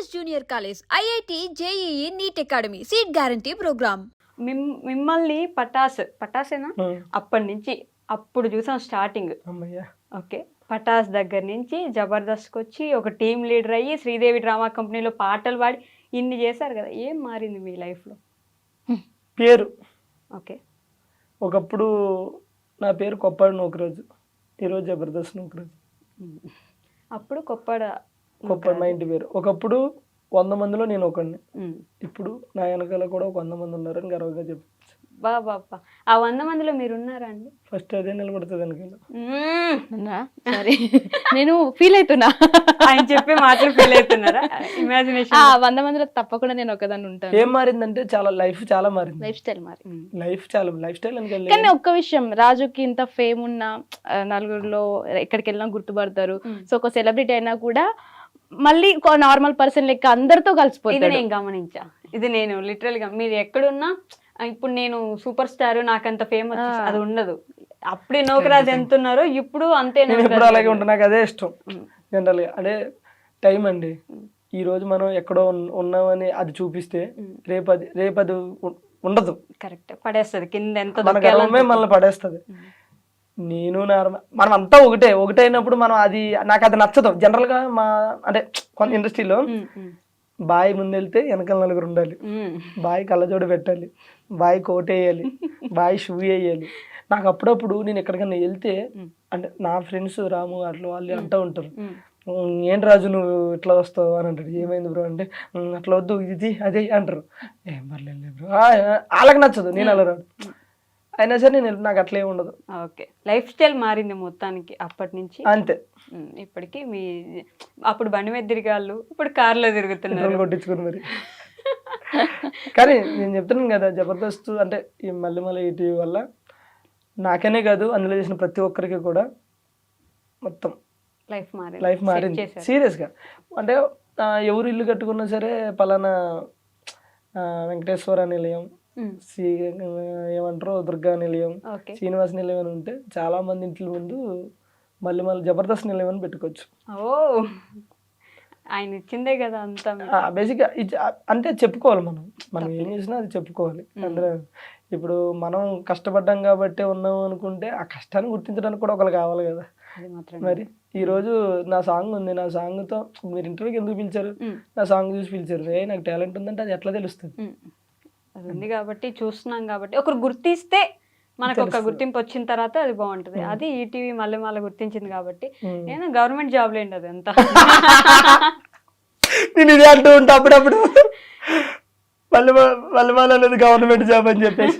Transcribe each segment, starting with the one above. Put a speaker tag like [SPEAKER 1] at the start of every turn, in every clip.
[SPEAKER 1] Junior college, IIT, JEE, NEET academy, seat guarantee program.
[SPEAKER 2] మిమ్మల్ని పటాసేనా అప్పటి నుంచి అప్పుడు చూసాం స్టార్టింగ్. ఓకే, పటాస్ దగ్గర నుంచి జబర్దస్త్కి వచ్చి ఒక టీం లీడర్ అయ్యి శ్రీదేవి డ్రామా కంపెనీలో పాటలు పాడి ఇన్ని చేశారు కదా. ఏం మారింది మీ లైఫ్లో?
[SPEAKER 3] పేరు.
[SPEAKER 2] ఓకే,
[SPEAKER 3] ఒకప్పుడు నా పేరు కొప్పాడు నూకరాజు, ఈరోజు జబర్దస్త్ నూకరాజు.
[SPEAKER 2] అప్పుడు కొప్పాడు
[SPEAKER 3] మా ఇంటి పేరు. ఒకప్పుడు 100 మందిలో నేను ఒకడిని. ఇప్పుడు నా వెనకాల కూడా ఒక 100 మంది ఉన్నారని గర్వంగా చెప్పచ్చు.
[SPEAKER 2] బాబా, ఆ 100 మందిలో మీరు ఉన్నారా అండి?
[SPEAKER 3] ఫస్ట్ అదే నిలబడుతుంది వెనకాల.
[SPEAKER 4] సరే, నేను ఫీల్ అవుతున్నా,
[SPEAKER 2] ఆయన చెప్పే మాటలు ఫీల్ అవుతున్నారా? ఇమాజినేషన్
[SPEAKER 4] 100 మందిలో తప్పకుండా నేను ఒకదాన్ని ఉంటాను.
[SPEAKER 3] ఏం మారిందంటే లైఫ్ చాలా మారింది.
[SPEAKER 4] లైఫ్ స్టైల్
[SPEAKER 3] లైఫ్ స్టైల్ అని.
[SPEAKER 4] కానీ ఒక్క విషయం, రాజుకి ఇంత ఫేమ్ ఉన్న నలుగురిలో ఎక్కడికి వెళ్ళినా గుర్తుపడతారు. సో ఒక సెలబ్రిటీ అయినా కూడా మళ్ళీ నార్మల్ పర్సన్ లెక్క అందరితో కలిసిపోయింది.
[SPEAKER 2] ఇది నేను గమనించా. ఇది నేను లిటరల్ గా మీరు ఎక్కడున్నా ఇప్పుడు నేను సూపర్ స్టార్ నాకంత ఫేమ్ వచ్చేసి అది ఉండదు. అప్పుడే నూకరాజు ఎంత ఉన్నారో ఇప్పుడు అంతే.
[SPEAKER 3] ఇప్పుడు అలాగే ఉంటా, నాకు అదే ఇష్టం జనరల్ గా. అదే టైం అండి. ఈ రోజు మనం ఎక్కడో ఉన్నామని అది చూపిస్తే రేపు అది ఉండదు.
[SPEAKER 2] కరెక్ట్, పడేస్తుంది కింద. ఎంత
[SPEAKER 3] మనల్ని పడేస్తుంది. నేను మనం అంతా ఒకటైనప్పుడు మనం నాకు అది నచ్చదు జనరల్ గా. అంటే కొంత ఇండస్ట్రీలో బాయ్ ముందెళ్తే వెనకాల నలుగురు ఉండాలి, బాయ్ కళ్ళజోడు పెట్టాలి, బాయ్ కోట్ వేయాలి, బాయ్ షూ వేయాలి. నాకు అప్పుడప్పుడు నేను ఎక్కడికైనా వెళ్తే అంటే నా ఫ్రెండ్స్ రాము అట్లా వాళ్ళు అంటూ ఉంటారు, ఏంటి రాజు నువ్వు ఇట్లా వస్తావు అని అంటాడు. ఏమైంది బ్రో అంటే అట్లా వద్దు ఇది అదే అంటారు. ఏం పర్లేదు బ్రో, వాళ్ళకి నచ్చదు, నేను అలా రాదు. అయినా సరే నాకు అట్లే ఉండదు.
[SPEAKER 2] ఓకే, లైఫ్ స్టైల్ మారింది మొత్తానికి అప్పటి నుంచి
[SPEAKER 3] అంతే.
[SPEAKER 2] ఇప్పటికి మీ అప్పుడు బండి మీద తిరిగాళ్ళు, ఇప్పుడు కార్లో తిరుగుతున్నారు.
[SPEAKER 3] కొట్టించుకుని మరి. కానీ నేను చెప్తున్నాను కదా, జబర్దస్త్ అంటే ఈ మళ్ళీ ఈటీవీ వల్ల నాకనే కాదు అందులో చేసిన ప్రతి ఒక్కరికి కూడా మొత్తం లైఫ్ మారింది సీరియస్గా. అంటే ఎవరు ఇల్లు కట్టుకున్నా సరే పలానా వెంకటేశ్వర నిలయం, ఏమంటారు దుర్గా నిలయం, శ్రీనివాస నిలయం అని ఉంటే చాలా మంది ఇంట్ల ముందు మళ్ళీ జబర్దస్త్ నిలయం అని పెట్టుకోవచ్చు.
[SPEAKER 2] ఓ, ఆయన ఇచ్చిందే కదా అంతా.
[SPEAKER 3] బేసిక్గా అంటే చెప్పుకోవాలి, మనం ఏం చేసినా అది చెప్పుకోవాలి. అందులో ఇప్పుడు మనం కష్టపడ్డాం కాబట్టి ఉన్నాం అనుకుంటే ఆ కష్టాన్ని గుర్తించడానికి కూడా ఒకరు కావాలి కదా. మరి ఈ రోజు నా సాంగ్ ఉంది, నా సాంగ్తో మీరు ఇంటర్వ్యూకి ఎందుకు పిలిచారు? నా సాంగ్ చూసి పిలిచారు. నాకు టాలెంట్ ఉందంటే అది ఎట్లా తెలుస్తుంది?
[SPEAKER 2] అది ఉంది కాబట్టి చూస్తున్నాం కాబట్టి ఒకరు గుర్తిస్తే మనకు ఒక గుర్తింపు వచ్చిన తర్వాత అది బాగుంటది. అది ఈటీవీ మళ్ళీ గుర్తించింది కాబట్టి. నేను గవర్నమెంట్ జాబ్ లేండి అది అంతా.
[SPEAKER 3] నేను ఇది అంటూ ఉంటా అప్పుడప్పుడు, మళ్ళీ అనేది గవర్నమెంట్ జాబ్ అని చెప్పేసి.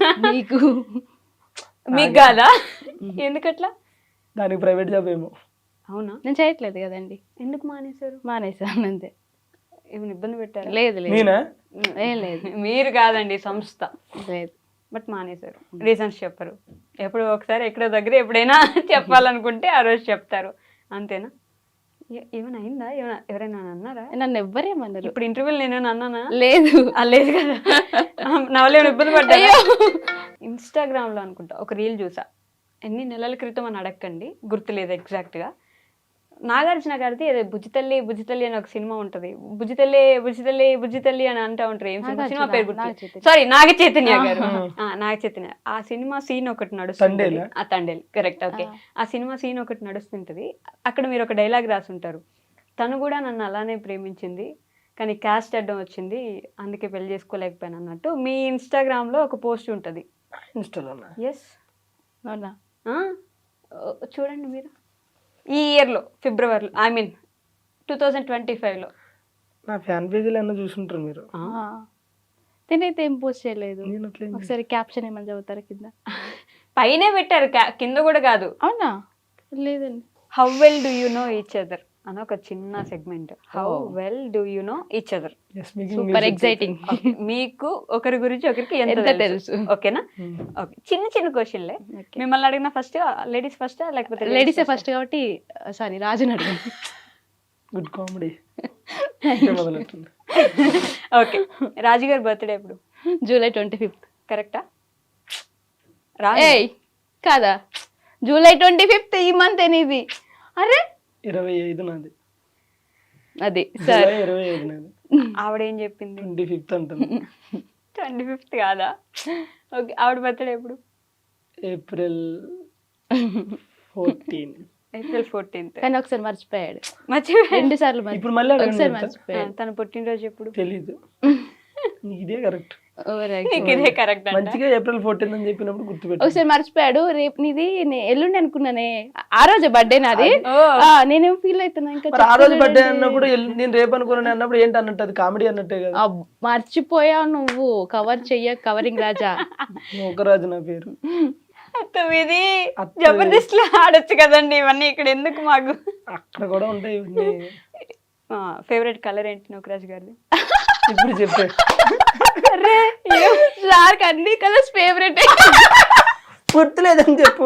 [SPEAKER 2] మీకు కాదా? ఎందుకట్లా?
[SPEAKER 3] దానికి ప్రైవేట్ జాబ్ ఏమో.
[SPEAKER 2] అవునా?
[SPEAKER 4] నేను చేయట్లేదు కదండి.
[SPEAKER 2] ఎందుకు మానేశారు?
[SPEAKER 4] మానేశాను అంతే.
[SPEAKER 2] ఏమైనా ఇబ్బంది పెట్టారు?
[SPEAKER 4] లేదు
[SPEAKER 3] నేనా?
[SPEAKER 4] ఏం లేదు.
[SPEAKER 2] మీరు కాదండి, సంస్థ.
[SPEAKER 4] లేదు,
[SPEAKER 2] బట్ మానేశారు. రీజన్స్ చెప్పరు. ఎప్పుడు ఒకసారి ఎక్కడో దగ్గర ఎప్పుడైనా చెప్పాలనుకుంటే ఆ రోజు చెప్తారు, అంతేనా? ఏమైనా అయిందా? ఎవరైనా అన్నారా?
[SPEAKER 4] నన్ను ఎవ్వరేమన్నారు?
[SPEAKER 2] ఇప్పుడు ఇంటర్వ్యూలు నేను అన్నానా?
[SPEAKER 4] లేదు.
[SPEAKER 2] లేదు కదా. నా వల్ల ఏమైనా ఇబ్బంది పడ్డా? ఇన్స్టాగ్రామ్ లో అనుకుంటా ఒక రీల్ చూసా, ఎన్ని నెలల క్రితం అని అడగండి, గుర్తులేదు ఎగ్జాక్ట్గా. నాగార్జున గారిది ఏదో బుజ్జితల్లి అని ఒక సినిమా ఉంటది. బుజ్జితల్లి అని అంటూ ఉంటారు. ఏం సినిమా పేరు గుర్తు? సారీ, నాగ చైతన్య గారు. నాగ చైతన్య. ఆ సినిమా సీన్ ఒకటి నడుస్తుంది. తండేల్, కరెక్ట్. ఓకే, ఆ సినిమా సీన్ ఒకటి నడుస్తుంటది. అక్కడ మీరు ఒక డైలాగ్ రాసి ఉంటారు, తను కూడా నన్ను అలానే ప్రేమించింది కానీ క్యాస్ట్ అడ్డం వచ్చింది అందుకే పెళ్లి చేసుకోలేకపోయాను అన్నట్టు మీ ఇన్స్టాగ్రామ్ లో ఒక పోస్ట్ ఉంటది. ఎస్,
[SPEAKER 4] అవునా?
[SPEAKER 2] చూడండి మీరు. ఈ ఇయర్లో ఫిబ్రవరిలో, ఐ మీన్ 2025లో
[SPEAKER 3] నా ఫ్యాన్ పేజీలో ఏమన్నా చూసుంటారు మీరు.
[SPEAKER 4] నేనైతే ఏం పోస్ట్ చేయలేదు. ఒకసారి క్యాప్షన్ ఏమని చదువుతారా కింద?
[SPEAKER 2] పైనే పెట్టారు, కింద కూడా కాదు.
[SPEAKER 4] అవునా? లేదండి.
[SPEAKER 2] How well do you know each other అని ఒక చిన్న segment. How well do you know each other.
[SPEAKER 4] Super exciting.
[SPEAKER 2] మీకు ఒకరి గురించి ఒకరికి ఎంత తెలుసు? ఓకేనా? ఓకే, చిన్న క్వశ్చన్లే. మిమ్మల్ని అడిగిన ఫస్ట్ లేడీస్ ఫస్ట్ లేకపోతే?
[SPEAKER 4] లేడీసే ఫస్ట్ కాబట్టి సారీ, రాజుని అడిగాను.
[SPEAKER 3] Good comedy.
[SPEAKER 2] ఓకే, రాజు గారి బర్త్డే ఎప్పుడు?
[SPEAKER 4] జూలై 25.
[SPEAKER 2] కరెక్టా?
[SPEAKER 4] కాదా? జూలై 25 ఈ మంత్ అనేది. అరే
[SPEAKER 3] 25 నాది.
[SPEAKER 4] అది సరే,
[SPEAKER 3] 25 నాది.
[SPEAKER 2] ఆవిడేం చెప్పింది?
[SPEAKER 3] 25th అంటుంది.
[SPEAKER 2] 25th కాదా? ఓకే, ఆవిడ బర్త్డే ఎప్పుడు?
[SPEAKER 3] ఏప్రిల్ 14.
[SPEAKER 2] April 14th.
[SPEAKER 4] కానీ ఒకసారి మర్చిపోయాడు,
[SPEAKER 2] మర్చిపోయాడు.
[SPEAKER 4] 2 సార్లు
[SPEAKER 3] ఇప్పుడు మళ్ళీ
[SPEAKER 4] ఒకసారి
[SPEAKER 3] అడగండి.
[SPEAKER 4] మర్చిపోయాడు.
[SPEAKER 2] తన పుట్టినరోజు ఎప్పుడు?
[SPEAKER 3] తెలీదు. నీకు ఇదే కరెక్ట్.
[SPEAKER 2] నీకు ఇదే కరెక్ట్ అంట.
[SPEAKER 3] మంచిగా ఏప్రిల్ 14 అని చెప్పినప్పుడు గుర్తుపెట్టు.
[SPEAKER 4] ఒకసారి మర్చిపోయాడు. రేపు నీది ఎల్లుండి అనుకున్నానే, ఆ రోజు బర్త్డే నాది. నేనేం ఫీల్ అవుతున్నా ఇంకా
[SPEAKER 3] మరి ఆ రోజు బర్త్డే అన్నప్పుడు నేను రేపు అనుకున్నాను అన్నప్పుడు ఏంటి అన్నట్టు, అది కామెడీ అన్నట్టే కదా.
[SPEAKER 4] మర్చిపోయావు నువ్వు, కవర్ చెయ్య కవరింగ్ రాజా.
[SPEAKER 3] ఒకరాజు నా పేరు.
[SPEAKER 2] 9 జబర్దస్త్ లో ఆడొచ్చు కదండి ఇవన్నీ, ఇక్కడ ఎందుకు మాకు?
[SPEAKER 3] అక్కడ కూడా ఉంటాయి ఇవన్నీ.
[SPEAKER 2] ఫేవరెట్ కలర్ ఏంటి నూకరాజ్ గారిది?
[SPEAKER 3] ఇప్పుడు చెప్పే.
[SPEAKER 4] సార్కి అన్ని కలర్స్ ఫేవరెట్.
[SPEAKER 3] గుర్తులేదని చెప్పు.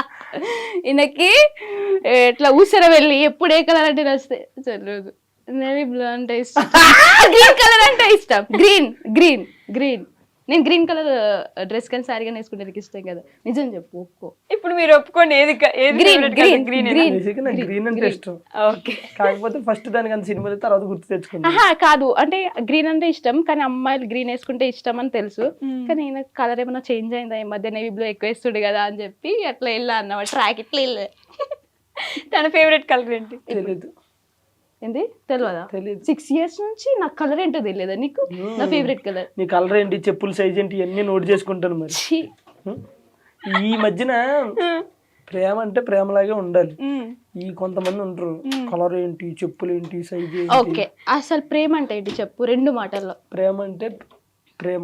[SPEAKER 4] ఈయనకి ఇట్లా ఊసర వెళ్ళి ఎప్పుడు ఏ కలర్ అంటే నచ్చితే తెలియదు. నేవీ బ్లూ అంటే ఇష్టం, గ్రీన్ కలర్ అంటే ఇష్టం. గ్రీన్ గ్రీన్ గ్రీన్ నేను గ్రీన్ కలర్ డ్రెస్ కానీ సారీ కానీ వేసుకుంటే నాకు ఇష్టం కదా. నిజం చెప్పు, ఒప్పుకో.
[SPEAKER 2] ఇప్పుడు మీరు ఒప్పుకోండి, ఏది
[SPEAKER 4] గ్రీన్ గ్రీన్
[SPEAKER 2] గ్రీన్?
[SPEAKER 4] గ్రీన్
[SPEAKER 3] బేసిక్గా నాకు గ్రీన్ అంటే ఇష్టం.
[SPEAKER 2] ఓకే,
[SPEAKER 3] కాకపోతే ఫస్ట్ దానికి అంత సినిమా తర్వాత గుర్తు తెచ్చుకున్నా.
[SPEAKER 4] ఆహా కాదు, అంటే గ్రీన్ అంటే ఇష్టం కానీ అమ్మాయిలు గ్రీన్ వేసుకుంటే ఇష్టం అని తెలుసు. కానీ ఈయన కలర్ ఏమైనా చేంజ్ అయిందా ఈ మధ్య, నేవీ బ్లూ ఎక్కువ వేస్తుడు కదా అని చెప్పి అట్లా వెళ్ళా అన్నమాట, ట్రాక్ ఇట్లా వెళ్ళా.
[SPEAKER 2] తన ఫేవరెట్ కలర్ ఏంటి?
[SPEAKER 3] తెలీదు.
[SPEAKER 4] ఏంది తెలియదా?
[SPEAKER 3] తెలీదు.
[SPEAKER 4] 6 years నుంచి నాకు కలర్ ఏంటో తెలియదా నీకు? నా ఫేవరెట్ కలర్.
[SPEAKER 3] నీ కలర్ ఏంటి, చెప్పుల సైజ్ ఏంటి, ఇవన్నీ నోట్ చేసుకుంటాను. మరి ఈ మధ్యన ప్రేమ అంటే ప్రేమలాగే ఉండాలి. ఈ కొంతమంది ఉంటారు, కలర్ ఏంటి, చెప్పులు ఏంటి, సైజ్ ఏంటి.
[SPEAKER 4] ఓకే, అసలు ప్రేమ అంటే ఏంటి చెప్పు 2 మాటల్లో.
[SPEAKER 3] ప్రేమ అంటే ప్రేమ.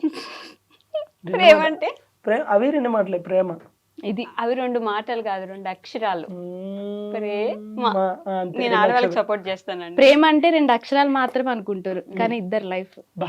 [SPEAKER 2] ప్రేమ అంటే
[SPEAKER 3] అవి 2 మాటలే. ప్రేమ
[SPEAKER 4] ఇది
[SPEAKER 2] అవి 2 మాటలు కాదు, 2 అక్షరాలు. ప్రేమ.
[SPEAKER 3] అంతే.
[SPEAKER 2] నేను ఆడవాళ్ళకి సపోర్ట్ చేస్తానండి.
[SPEAKER 4] ప్రేమ అంటే 2 అక్షరాలు మాత్రమే అనుకుంటారు కానీ ఇద్దరు లైఫ్.
[SPEAKER 3] బా.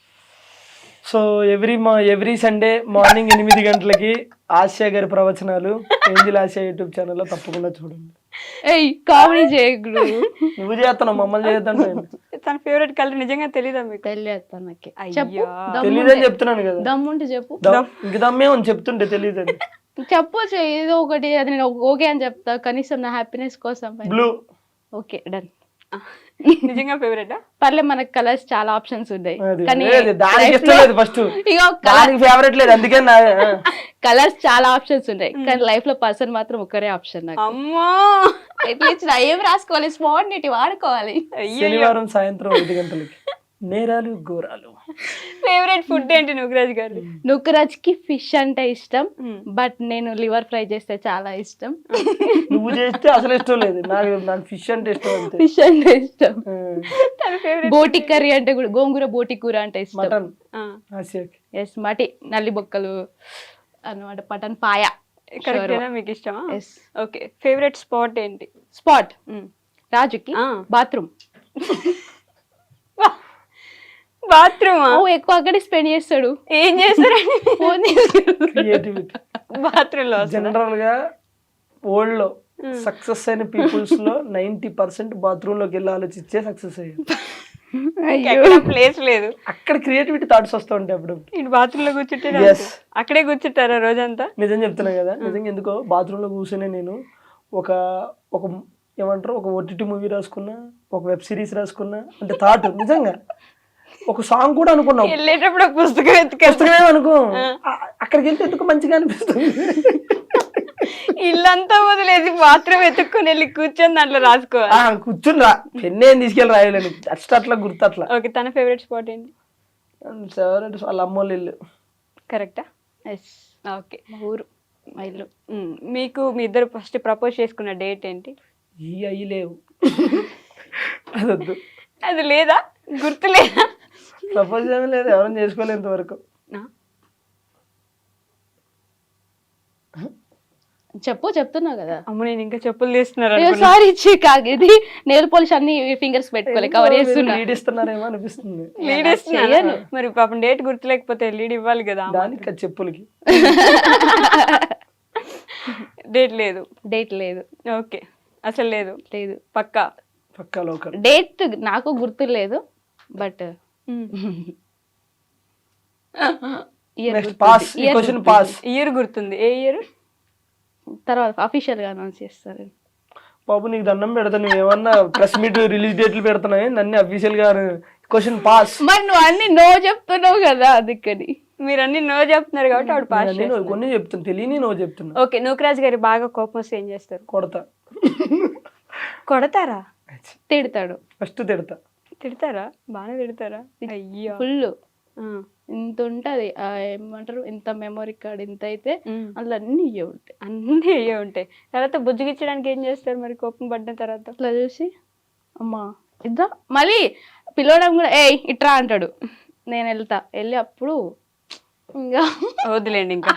[SPEAKER 3] సో ఎవ్రీ సండే మార్నింగ్ 8 గంటలకి ఆసియా గారి ప్రవచనాలు ఏంజిల్ ఆసియా యూట్యూబ్ ఛానల్లో తప్పకుండా చూడండి.
[SPEAKER 4] ఏయ్ కామెడీ చేయకుడు.
[SPEAKER 3] నువ్వు చేస్తున్నావు, మమ్మల్ని చేద్దాం.
[SPEAKER 2] తన ఫేవరెట్ కలర్ నిజంగా తెలీదా మీకు?
[SPEAKER 4] తెలియదు నాకు.
[SPEAKER 2] అయ్యో.
[SPEAKER 3] తెలీదని చెప్తున్నాను కదా.
[SPEAKER 4] దమ్ముంటే చెప్పు.
[SPEAKER 3] ఇంక దమ్మే అని చెప్తుంటే తెలియదని
[SPEAKER 4] చెప్పొచ్చు ఏదో ఒకటి, అది నేను ఓకే అని చెప్తా కనీసం నా హ్యాపీనెస్ కోసం.
[SPEAKER 3] బ్లూ.
[SPEAKER 4] Okay done.
[SPEAKER 2] నిజంగా ఫేవరెట్?
[SPEAKER 4] పర్లే, మనకు కలర్స్ చాలా ఆప్షన్స్ ఉన్నాయి కానీ
[SPEAKER 3] దానికి ఇష్టం లేదు. ఫస్ట్ దానికి ఫేవరెట్ లేదు, అందుకే
[SPEAKER 4] కలర్స్ చాలా ఆప్షన్స్ ఉన్నాయి కానీ లైఫ్ లో పర్సన్ మాత్రం ఒక్కరే ఆప్షన్ నాకు.
[SPEAKER 2] అమ్మో,
[SPEAKER 4] ఎట్లా ఏం రాసుకోవాలి, స్పాంటినిటీ వాడుకోవాలి.
[SPEAKER 3] శనివారం సాయంత్రం 5 గంటలకి నేరాలు ఘోరాలు.
[SPEAKER 2] ఫేవరెట్ ఫుడ్ ఏంటి నూకరాజ్ గారు?
[SPEAKER 4] నూకరాజ్ కి ఫిష్ అంటే ఇష్టం, బట్ నేను లివర్ ఫ్రై చేస్తే చాలా ఇష్టం.
[SPEAKER 3] నువ్వు చేస్తే అసలు ఇష్టం లేదు. నాకు ఫిష్ అంటే ఇష్టం. అంతే.
[SPEAKER 4] ఫిష్ అంటే ఇష్టం.
[SPEAKER 2] తన ఫేవరెట్
[SPEAKER 4] బోటి కర్రీ అంటే కూడా, గోంగూర బోటి కూర అంటే ఇష్టం.
[SPEAKER 3] మటన్ ఆసియాకి.
[SPEAKER 4] ఎస్, మటి నల్లి బొక్కలు అన్నమాట, మటన్ పాయ.
[SPEAKER 2] కరెక్టేనా? మీకు ఇష్టమా?
[SPEAKER 4] ఎస్.
[SPEAKER 2] ఓకే, ఫేవరెట్ స్పాట్ ఏంటి?
[SPEAKER 4] స్పాట్ రాజుకి బాత్రూమ్.
[SPEAKER 2] బాత్రూమ్.
[SPEAKER 4] ఎక్కువ అక్కడే స్పెండ్ చేస్తాడు.
[SPEAKER 2] ఏం చేస్తారండి?
[SPEAKER 3] క్రియేటివిటీ.
[SPEAKER 2] బాత్రూమ్ లో
[SPEAKER 3] జనరల్ గా వరల్డ్ లో సక్సెస్ అయిన పీపుల్స్ లో 90% బాత్రూమ్ లోకి వెళ్ళి ఆలోచించే సక్సెస్ అయ్యారు.
[SPEAKER 2] ప్లేస్ లేదు,
[SPEAKER 3] అక్కడ క్రియేటివిటీ థాట్స్ వస్తూ ఉంటాయి. అప్పుడు
[SPEAKER 2] ఇటు బాత్రూమ్ లో కూర్చుంటే అక్కడే కూర్చుంటారా రోజంతా?
[SPEAKER 3] నిజం చెప్తున్నా కదా. నిజంగా ఎందుకో బాత్రూమ్ లో కూర్చొని నేను ఒక ఏమంటారు, ఒక OTT మూవీ రాసుకున్నా, ఒక వెబ్ సిరీస్ రాసుకున్నా అంటే థాట్. నిజంగా ఒక సాంగ్ కూడా అనుకున్నావు.
[SPEAKER 2] వెళ్ళేటప్పుడు పుస్తకం
[SPEAKER 3] అనుకో, అక్కడికి వెళ్తే ఎందుకు మంచిగా అనిపిస్తుంది.
[SPEAKER 2] ఇల్లంతా వదిలేసి బాత్రూమ్ ఎత్తుక్కుని వెళ్ళి కూర్చొని దాంట్లో రాసుకోవాలి.
[SPEAKER 3] కూర్చుని రా, పెన్ను ఏం తీసుకెళ్ళి రాయలేను, అట్లా గుర్తు అట్లా.
[SPEAKER 2] ఓకే, తన ఫేవరెట్ స్పాట్ ఏంటి?
[SPEAKER 3] ఫేవరెట్ వాళ్ళ అమ్మోళ్ళ ఇల్లు.
[SPEAKER 2] కరెక్టా?
[SPEAKER 4] ఎస్.
[SPEAKER 2] ఓకే,
[SPEAKER 4] మా ఊరు, మా ఇల్లు.
[SPEAKER 2] మీకు మీ ఇద్దరు ఫస్ట్ ప్రపోజ్ చేసుకున్న డేట్ ఏంటి?
[SPEAKER 3] అయ్యి లేవు, అదొద్దు.
[SPEAKER 2] అది లేదా? గుర్తు లేదా?
[SPEAKER 3] ప్రపోజ్ ఏమీ లేదు, ఎవరైనా చేసుకోలేదు ఇంతవరకు.
[SPEAKER 4] చెప్తున్నా కదా.
[SPEAKER 2] అమ్మ, నేను ఇంకా చెప్పులు తీస్తున్నారు.
[SPEAKER 4] సారీ ఇది నెయిల్ పాలిష్ అన్ని ఫింగర్స్ పెట్టుకోలే, కవర్ చేస్తున్నా.
[SPEAKER 3] లీడ్ ఇస్తున్నారేమో అనిపిస్తుంది.
[SPEAKER 2] లీడ్ ఇస్తున్నాను మరి, పాపం డేట్ గుర్తు లేకపోతే లీడ్ ఇవ్వాలి కదా.
[SPEAKER 3] దానికి చెప్పులకి
[SPEAKER 2] డేట్ లేదు.
[SPEAKER 4] డేట్ లేదు.
[SPEAKER 2] ఓకే, అసలు లేదు.
[SPEAKER 4] లేదు.
[SPEAKER 3] పక్కా లోకల్.
[SPEAKER 4] డేట్ నాకు గుర్తు లేదు, బట్
[SPEAKER 2] ఇయర్ గుర్తుంది. ఏ ఇయర్?
[SPEAKER 4] తర్వాత అఫీషియల్ గా అనౌన్స్ చేస్తారు.
[SPEAKER 3] బాబు నీకు దండం పెడతా, నువ్వు ఏమన్నా ప్రెస్ మీట్ రిలీజ్ డేట్లు పెడుతున్నాయి, నన్ను అఫీషియల్ గా క్వశ్చన్ పాస్.
[SPEAKER 4] మరి నువ్వు అన్ని నో చెప్తున్నావు కదా అందుకని.
[SPEAKER 2] మీరు అన్ని నో చెప్తున్నారు కాబట్టి ఆవిడ పాస్
[SPEAKER 3] నేను కొన్ని చెప్తున్నా, తెలియని నువ్వు చెప్తున్నా.
[SPEAKER 2] ఓకే, నూకరాజ్ గారి బాగా కోపం వస్తే ఏం చేస్తారు?
[SPEAKER 3] కొడతా.
[SPEAKER 2] కొడతారా?
[SPEAKER 4] తిడతాడు.
[SPEAKER 3] ఫస్ట్ తిడతా.
[SPEAKER 2] తిడతారా? బాగానే తిడతారా? అయ్యో.
[SPEAKER 4] ఫుల్ ఇంత ఉంటది ఏమంటారు, ఇంత మెమరీ కార్డ్ ఇంత అయితే అందులో అన్ని ఇవే ఉంటాయి.
[SPEAKER 2] అన్నీ అయ్యే ఉంటాయి. తర్వాత బుజ్జిగిచ్చడానికి ఏం చేస్తారు మరి కోపం పడిన తర్వాత?
[SPEAKER 4] అట్లా చూసి అమ్మా ఇద్దా మళ్ళీ పిలవడం కూడా ఇట్రా అంటాడు. నేను వెళ్తా, వెళ్ళి అప్పుడు ఇంకా
[SPEAKER 2] వదిలేండి ఇంకా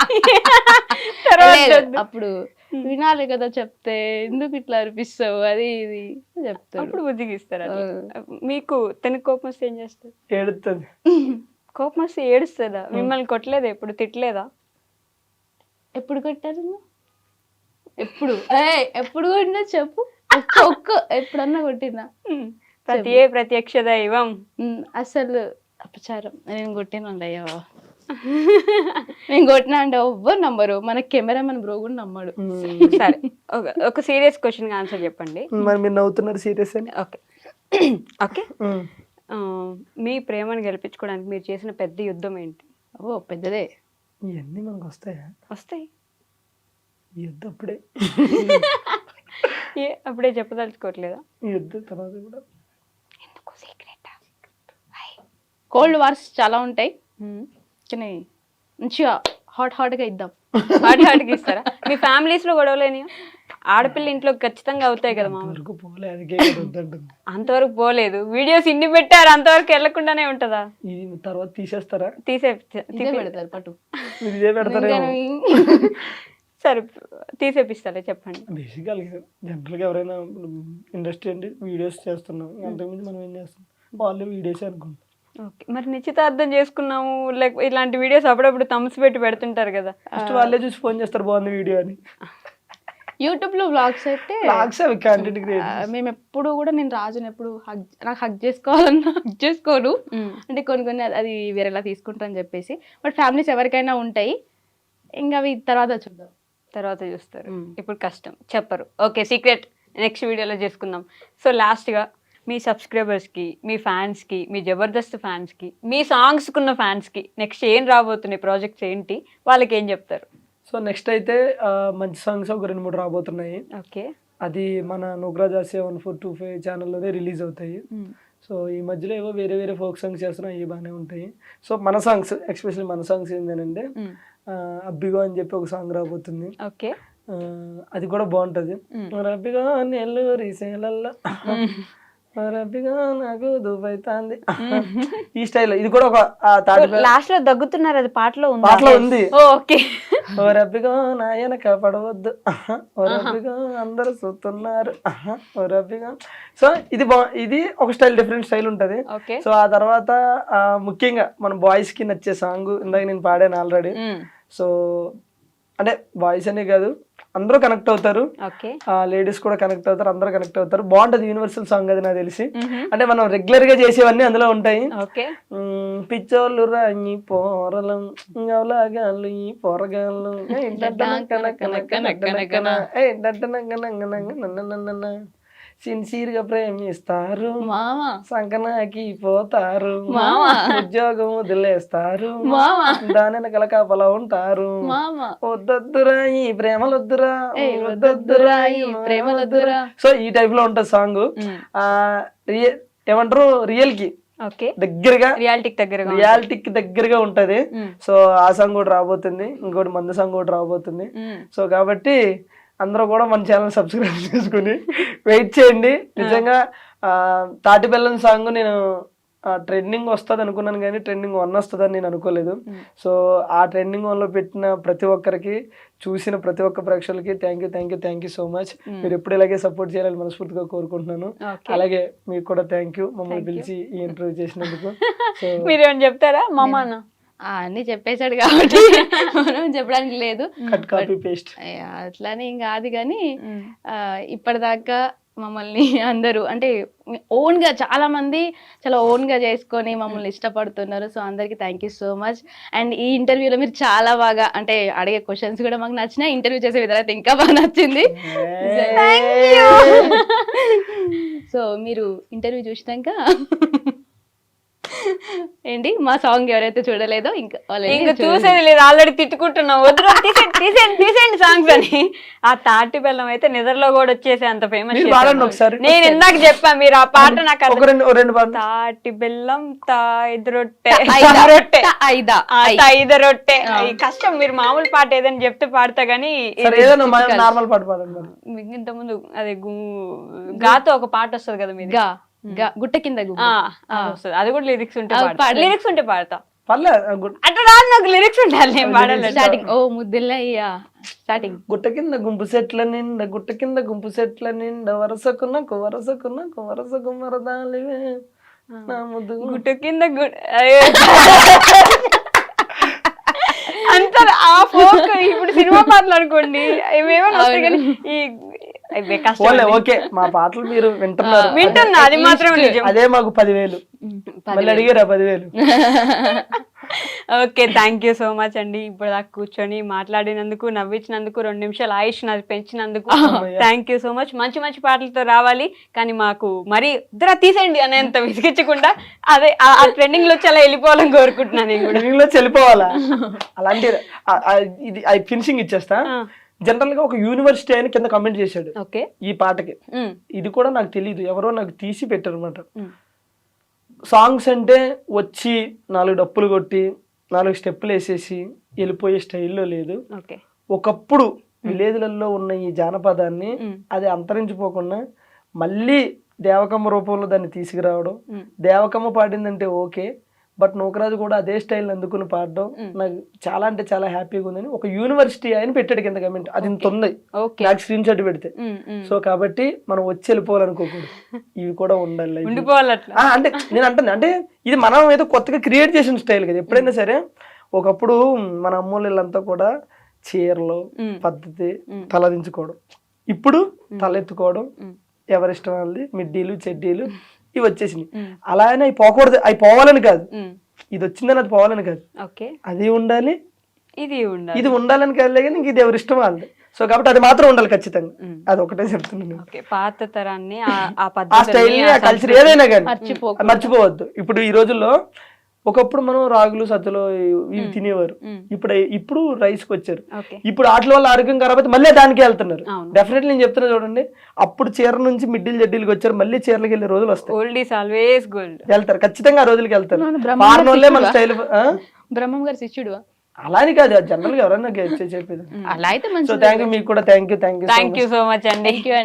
[SPEAKER 4] లేదు, అప్పుడు వినాలి కదా చెప్తే, ఎందుకు ఇట్లా అనిపిస్తావు అది ఇది చెప్తాడు.
[SPEAKER 2] అప్పుడు బుజ్జిగిస్తారు. మీకు తనకి కోపం వస్తే ఏం చేస్తారు?
[SPEAKER 3] ఏడుతుంది.
[SPEAKER 2] కోపం వస్తే ఏడుస్తుందా? మిమ్మల్ని కొట్టలేదా? ఎప్పుడు తిట్టలేదా?
[SPEAKER 4] ఎప్పుడు కొట్టారు? ఎప్పుడు ఎప్పుడు కొట్టినా చెప్పు. ఒక్క ఎప్పుడన్నా కొట్టినా?
[SPEAKER 2] ప్రత్యక్ష దైవం.
[SPEAKER 4] అసలు అపచారం. నేను కొట్టినండి అయ్యా, నేను కొట్టినా అంటే ఎవ్వరు నమ్మరు. మన కెమెరామెన్ బ్రో కూడా నమ్మడు.
[SPEAKER 2] సరే, ఒక సీరియస్ క్వశ్చన్ ఆన్సర్ చెప్పండి.
[SPEAKER 3] మరి మీరు నవ్వుతున్నారు సీరియస్ అని.
[SPEAKER 2] ఓకే ఓకే, మీ ప్రేమను గెలిపించుకోవడానికి మీరు చేసిన పెద్ద యుద్ధం ఏంటి?
[SPEAKER 4] ఓ పెద్దదే.
[SPEAKER 3] ఇవన్నీ మనకు వస్తాయా?
[SPEAKER 2] వస్తాయి.
[SPEAKER 3] ఈ యుద్ధం అప్పుడే
[SPEAKER 2] అప్పుడే చెప్పదలుచుకోవట్లేదా?
[SPEAKER 3] ఈ యుద్ధం తర్వాత కూడా
[SPEAKER 2] ఎందుకు సీక్రెట్?
[SPEAKER 4] కోల్డ్ వార్స్ చాలా ఉంటాయి కానీ మంచిగా హాట్గా ఇద్దాం.
[SPEAKER 2] హాట్గా ఇస్తారా? మీ ఫ్యామిలీస్ లో గొడవలేని? ఆడపిల్ల ఇంట్లో ఖచ్చితంగా అవుతాయి కదా మామూలు. అంతవరకు పోలేదు. వీడియోస్ ఇన్ని పెట్టారు, అంతవరకు వెళ్లకుండానే ఉంటదా?
[SPEAKER 3] ఇది తర్వాత తీసేస్తారా?
[SPEAKER 4] పెడతారు పట్టు.
[SPEAKER 3] ఇదే పెడతారా?
[SPEAKER 2] సరే, తీసేపిస్తారా చెప్పండి.
[SPEAKER 3] బేసిక్గా జనరల్గా ఎవరైనా ఇండస్ట్రీ అంటే వీడియోస్ చేస్తున్నాం, అంతకుమించి మనం ఏం చేస్తాం? వాళ్ళు వీడియోస్ అనుకుంటాం.
[SPEAKER 2] ఓకే, మరి నిశ్చితార్థం చేసుకున్నాము లైక్ ఇలాంటి వీడియోస్ అప్పుడప్పుడు థమ్స్ పెట్టి పెడుతుంటారు కదా,
[SPEAKER 3] ఫస్ట్ వాళ్ళే చూసి ఫోన్ చేస్తారు బాగుంది వీడియో అని.
[SPEAKER 4] యూట్యూబ్ లో వ్లాగ్స్ అయితే
[SPEAKER 3] కంటెంట్ క్రియేటర్.
[SPEAKER 4] మేము ఎప్పుడు కూడా, నేను రాజుని ఎప్పుడు నాకు హగ్ చేసుకోవాలన్నా హగ్ చేసుకోను. అంటే కొన్ని అది వేరేలా తీసుకుంటా అని చెప్పేసి. బట్ ఫ్యామిలీస్ ఎవరికైనా ఉంటాయి, ఇంకా అవి తర్వాత చూద్దాం,
[SPEAKER 2] తర్వాత చూస్తారు. ఇప్పుడు కష్టం, చెప్పరు. ఓకే, సీక్రెట్ నెక్స్ట్ వీడియోలో చేసుకుందాం. సో లాస్ట్గా మీ సబ్స్క్రైబర్స్కి, మీ ఫ్యాన్స్కి, మీ జబర్దస్త్ ఫ్యాన్స్కి, మీ సాంగ్స్కున్న ఫ్యాన్స్కి నెక్స్ట్ ఏం రాబోతున్నాయి, ప్రాజెక్ట్స్ ఏంటి, వాళ్ళకి ఏం చెప్తారు?
[SPEAKER 3] సో నెక్స్ట్ అయితే మంచి సాంగ్స్ ఒక 2-3 రాబోతున్నాయి.
[SPEAKER 2] ఓకే,
[SPEAKER 3] అది మన నుగ్రాజ్ 7425 ఛానల్లోనే రిలీజ్ అవుతాయి. సో ఈ మధ్యలో ఏవో వేరే వేరే ఫోక్ సాంగ్స్ చేస్తున్నాం, అవి బాగానే ఉంటాయి. సో మన సాంగ్స్, ఎస్పెషల్లీ మన సాంగ్స్ ఏంటంటే అబ్బిగో అని చెప్పి ఒక సాంగ్ రాబోతుంది.
[SPEAKER 2] ఓకే,
[SPEAKER 3] అది కూడా బాగుంటది. అబ్బిగో నెల్లూరి సేలల్లో రబ్బిగా నాకు దుబ్బైతాంది, ఈ స్టైల్లో. ఇది కూడా ఒక
[SPEAKER 2] లాస్ట్ లో దగ్గుతున్నారు, అది పాటలో
[SPEAKER 3] ఉంది.
[SPEAKER 2] ఓకే,
[SPEAKER 3] ఓ రబ్బిగా నా వెనక పడవద్దు, ఓ రబ్బిగా అందరు చూస్తున్నారు, ఓ రబ్బిగా. సో ఇది ఒక స్టైల్, డిఫరెంట్ స్టైల్ ఉంటది. సో ఆ తర్వాత ముఖ్యంగా మన బాయ్స్ కి నచ్చే సాంగ్ ఇందాక నేను పాడాను ఆల్రెడీ. సో అంటే బాయ్స్ అనే కాదు, అందరూ కనెక్ట్ అవుతారు, లేడీస్ కూడా కనెక్ట్ అవుతారు, అందరూ కనెక్ట్ అవుతారు. బాగుంటది, యూనివర్సల్ సాంగ్ అది నాకు తెలిసి. అంటే మనం రెగ్యులర్ గా చేసేవన్నీ అందులో ఉంటాయి. పిచ్చోళ్ళు రాయి పోరలం గవలాగాళ్ళు ఈ పోరగాళ్ళు సిన్సియర్ గా ప్రేమిస్తారు, సంకనాకి పోతారు, ఉద్యోగం వదిలేస్తారు, దాని వెనకాల కాపలా ఉంటారు, వద్దొద్దురా ఈ ప్రేమలొద్దురా, వద్దొద్దురా ఈ ప్రేమలొద్దురా. సో ఈ టైప్ లో ఉంటది సాంగ్. ఏమంటారు, రియల్ కి దగ్గరగా, రియాలిటీకి దగ్గరగా ఉంటది. సో ఆ సాంగ్ కూడా రాబోతుంది, ఇంకోటి మందు సాంగ్ కూడా రాబోతుంది. సో కాబట్టి అందరూ కూడా మన ఛానల్ సబ్స్క్రైబ్ చేసుకుని వెయిట్ చేయండి. నిజంగా తాటి బెల్లం సాంగ్ నేను ట్రెండింగ్ వస్తుంది అనుకున్నాను, కానీ ట్రెండింగ్ 1 వస్తుందని నేను అనుకోలేదు. సో ఆ ట్రెండింగ్ 1లో పెట్టిన ప్రతి ఒక్కరికి, చూసిన ప్రతి ఒక్క ప్రేక్షకులకి థ్యాంక్ యూ సో మచ్. మీరు ఎప్పుడు ఇలాగే సపోర్ట్ చేయాలని మనస్ఫూర్తిగా కోరుకుంటున్నాను. అలాగే మీకు కూడా థ్యాంక్ యూ, మమ్మల్ని పిలిచి ఈ ఇంటర్వ్యూ చేసినందుకు. సో
[SPEAKER 2] మీరేమైనా చెప్తారా? మామా
[SPEAKER 4] అన్ని చెప్పేశాడు కాబట్టి మనం చెప్పడానికి లేదు,
[SPEAKER 3] కాపీ పేస్ట్
[SPEAKER 4] అట్లానే ఇంకా అది. కానీ ఇప్పటిదాకా మమ్మల్ని అందరూ అంటే ఓన్ గా, చాలా మంది చాలా ఓన్ గా చేసుకొని మమ్మల్ని ఇష్టపడుతున్నారు. సో అందరికి thank you so much. And ఈ ఇంటర్వ్యూలో మీరు చాలా బాగా అంటే అడిగే క్వశ్చన్స్ కూడా మాకు నచ్చినాయి, ఇంటర్వ్యూ చేసే విధానం అయితే ఇంకా బాగా నచ్చింది. సో మీరు ఇంటర్వ్యూ చూసినాక ఏంటి మా సాంగ్ ఎవరైతే చూడలేదో ఇంకా already
[SPEAKER 2] ఇంకా
[SPEAKER 4] చూడండి.
[SPEAKER 2] చూసేది లేదు, ఆల్రెడీ తిట్టుకుంటున్నాం వద్దు తీసేయండి సాంగ్స్ అని. ఆ తాటి బెల్లం అయితే నిద్రలో కూడా వచ్చేసి అంత ఫేమస్.
[SPEAKER 3] మీరు పాడండి ఒకసారి.
[SPEAKER 2] నేను ఇందాక చెప్పా, మీరు ఆ పాట నాకు
[SPEAKER 3] ఒక రెండు పాడండి.
[SPEAKER 2] తాటి బెల్లం తాయిద రొట్టె
[SPEAKER 4] ఐదా.
[SPEAKER 2] రొట్టె
[SPEAKER 4] ఐదా.
[SPEAKER 2] తాయిద రొట్టె. ఈ కష్టం, మీరు మామూలు పాట ఏదైనా చెప్తే పాడతా గానీ
[SPEAKER 3] సరే ఏదైనా నార్మల్ పాట పాడండి మరి.
[SPEAKER 2] ఇంత ముందు అదే గాతో ఒక పాట వస్తుంది కదా మీది,
[SPEAKER 4] గా గా గుట్ట కింద గుమ్మ.
[SPEAKER 2] అది వస్తది. అది కూడా లిరిక్స్ ఉంటే
[SPEAKER 4] అది
[SPEAKER 2] పాడతా.
[SPEAKER 4] పాడండి.
[SPEAKER 2] లిరిక్స్ ఉంటే పాడతా.
[SPEAKER 3] పర్లే
[SPEAKER 2] అట్లా రాదు, నాకు లిరిక్స్ ఉండాలి, నేను పాడాలి.
[SPEAKER 4] స్టార్టింగ్ ఓ ముద్దులయ్యా స్టార్టింగ్.
[SPEAKER 3] గుట్ట కింద గుంపు సెట్ల నిండా గుట్ట కింద గుంపు సెట్ల నిండా వరసకున్నకు మరదాలివే నా ముద్దు.
[SPEAKER 2] గుట్ట కింద అంత ఆ ఫోక్. ఇప్పుడు సినిమా పాటలు అనుకోండి ఏమేమో వస్తాయి కానీ ఈ ఇవే కష్టం.
[SPEAKER 3] ఓన్లే ఓకే, మా పాటలు మీరు వింటున్నారు,
[SPEAKER 2] వింటున్నా, అది మాత్రం నిజం.
[SPEAKER 3] అదే మాకు 10,000. మళ్ళీ అడిగారా 10,000?
[SPEAKER 2] Okay, thank you so much అండి. ఇప్పుడు దాకా కూర్చొని మాట్లాడినందుకు, నవ్వించినందుకు, 2 నిమిషాలు ఆయుష్ నాది పెంచినందుకు థ్యాంక్ యూ సో మచ్. మంచి మంచి పాటలతో రావాలి, కానీ మాకు మరి ఇద్దరు తీసేయండి అనేంత విసిగించకుండా అదే ఆ ట్రెండింగ్ లో వచ్చి అలా వెళ్ళిపోవాలని కోరుకుంటున్నాను నేను కూడా.
[SPEAKER 3] లో చెల్లిపోవాలా అలాంటి ఇది ఫినిషింగ్ ఇచ్చేస్తా. జనరల్ గా ఒక యూనివర్సిటీ అని కింద కమెంట్ చేశాడు
[SPEAKER 2] ఓకే
[SPEAKER 3] ఈ పాటకి. ఇది కూడా నాకు తెలియదు, ఎవరో నాకు తీసి పెట్టారు అనమాట. సాంగ్స్ అంటే వచ్చి 4 డప్పులు కొట్టి 4 స్టెప్పులు వేసేసి వెళ్ళిపోయే స్టైల్లో లేదు.
[SPEAKER 2] ఓకే,
[SPEAKER 3] ఒకప్పుడు విలేజ్లలో ఉన్న ఈ జానపదాన్ని అది అంతరించిపోకుండా మళ్ళీ దేవకమ్మ రూపంలో దాన్ని తీసుకురావడం. దేవకమ్మ పాడిందంటే ఓకే, బట్ నూకరాజు కూడా అదే స్టైల్ అందుకుని పాడడం నాకు చాలా అంటే చాలా హ్యాపీగా ఉందని ఒక యూనివర్సిటీ ఆయన పెట్టాడు కింద కమెంట్. అది ఇంత ఉంది నాకు స్క్రీన్ షాట్ పెడితే. సో కాబట్టి మనం వచ్చి వెళ్ళిపోవాలనుకోకూడదు, ఇవి కూడా ఉండాలి,
[SPEAKER 2] ఉండిపోవాలి అట్లా.
[SPEAKER 3] అంటే నేను అంటుంది అంటే ఇది మనం ఏదో కొత్తగా క్రియేట్ చేసిన స్టైల్ కదా. ఎప్పుడైనా సరే ఒకప్పుడు మన అమ్మోళ్ళంతా కూడా చీరలు పద్ధతి తలదించుకోవడం, ఇప్పుడు తలెత్తుకోవడం, ఎవరిష్టం వాళ్ళది మిడ్డీలు చెడ్డీలు ఇవి వచ్చేసినాయి. అలా అయినా అవి పోకూడదు, అవి పోవాలని కాదు, ఇది వచ్చిందని అది పోవాలని కాదు, అది ఉండాలి ఇది ఉండాలని కాదు, కానీ ఇంక ఇది ఎవరి ఇష్టం వాళ్ళది. సో కాబట్టి అది మాత్రం ఉండాలి ఖచ్చితంగా, అది ఒకటే చెప్తున్నాను.
[SPEAKER 2] పాత తరాన్ని
[SPEAKER 3] ఆ స్టైల్ ఆ కల్చర్ ఏదైనా కానీ మర్చిపోవద్దు. ఇప్పుడు ఈ రోజుల్లో ఒకప్పుడు మనం రాగులు సత్తులు ఇవి తినేవారు, ఇప్పుడు రైస్ కి వచ్చారు. ఇప్పుడు వాటి వల్ల ఆరోగ్యం ఖరాబ్ అయితే మళ్ళీ దానికి వెళ్తున్నారు. డెఫినెట్లీ నేను చెప్తున్నా చూడండి, అప్పుడు చీర నుంచి మిడ్డీలు జడ్డీలకు వచ్చారు, మళ్ళీ చీరలకు వెళ్ళే రోజులు వస్తాయి.
[SPEAKER 2] Old is always gold.
[SPEAKER 3] వెళ్తారు ఖచ్చితంగా, ఆ రోజులకి వెళ్తారు. పార్నోళ్ళే మన స్టైల్.
[SPEAKER 4] బ్రహ్మం గారు శిష్యుడు
[SPEAKER 3] అలా అని కాదు, జనరల్ గా ఎవరైనా చెప్పేది.
[SPEAKER 4] అలా అయితే
[SPEAKER 3] సో థ్యాంక్ యూ, మీకు కూడా థ్యాంక్ యూ
[SPEAKER 2] సో మచ్ అండి.